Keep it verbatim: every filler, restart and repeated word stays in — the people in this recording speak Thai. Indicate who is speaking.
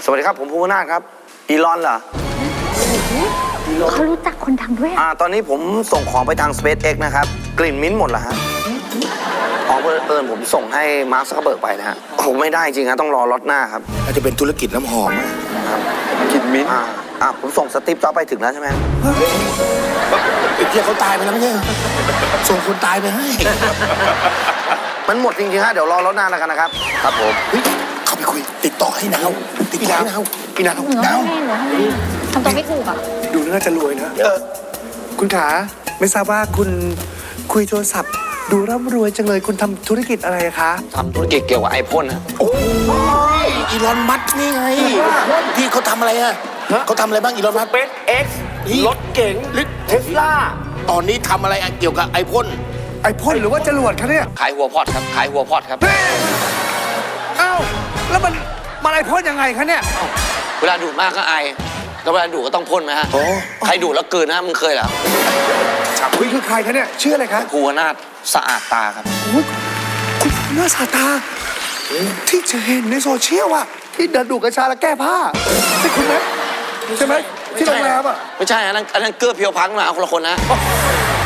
Speaker 1: วัสดีครับผมภูมินาถครับอีลอนเหรอ
Speaker 2: เขารู้จักคนดังด้วย
Speaker 1: อ่าตอนนี้ผมส่งของไปทาง SpaceX นะครับกลิ่นมิ้นท์หมดเหรอฮะอ๋อเอิญผมส่งให้มาร์คซักเคอร์เบิร์กไปนะฮะผมไม่ได้จริงฮะต้องรอล็อตหน้าครับ
Speaker 3: อาจจะเป็นธุรกิจน้ำหอม
Speaker 1: ครับกลิ่นมิ้นท์อ่าอ่าผมส่งสตีฟจ็อบไปถึงแล้วใช่ไหม
Speaker 3: เที่ยเขาตายไปแล้วไม่ใช่ส่งคนตายไปให้
Speaker 1: มันหมดจริงๆฮะเดี๋ยวรอล็อตหน้าแล้วกันนะครับครับผม
Speaker 3: เข้าไปคุยติดต่อให้นาวติดต่อให้นาวพี่นาว
Speaker 2: นาวทำตัวไม่ถูกอ่ะ
Speaker 4: ดูน่าจะรวยนะคุณขาไม่ทราบว่าคุณคุยโทรศัพท์ดูร่ำรวยจังเลยคุณทำธุรกิจอะไรคะ
Speaker 1: ทำธุรกิจเกี่ยวกับไอพ่นนะ
Speaker 3: โอ้ยอีลอนมัสก์นี่ไงที่เขาทำอะไรอะเขาทำอะไรบ้างอีลอนมัสก์
Speaker 4: SpaceX รถเก๋งเทสลา
Speaker 3: ตอนนี้ทำอะไรเกี่ยวกับไอพ่น
Speaker 4: ไอพ่นหรือว่าจรวดคะเนี่ย
Speaker 1: ขายหัวพอดครับขายหัวพอดครับ
Speaker 4: อ้าวแล้วมันมันไอพ่นยังไงคะเนี่ย
Speaker 1: เวลาดูดมากก็ไอแล้วเวลาดูดก็ต้องพ่นไหมฮะใครดูดแล้วเกินนะมึงเคยเหรอ
Speaker 4: คุยคือใครคะเนี่ยชื่ออะไรคะ
Speaker 1: ภูวนาถสะอาดตาครับ
Speaker 4: คุณภูวนาถสะอาดตาที่จะเห็นในโซเชียลอะที่เดินดูดกัญชาแล้วแก้ผ้าใช่คุณไหมใช่ไหมที่โรงแรมอะ
Speaker 1: ไม่ใช่อันนั้นอันนั้นเกือบเพียวพังมาเอาคนละคนนะ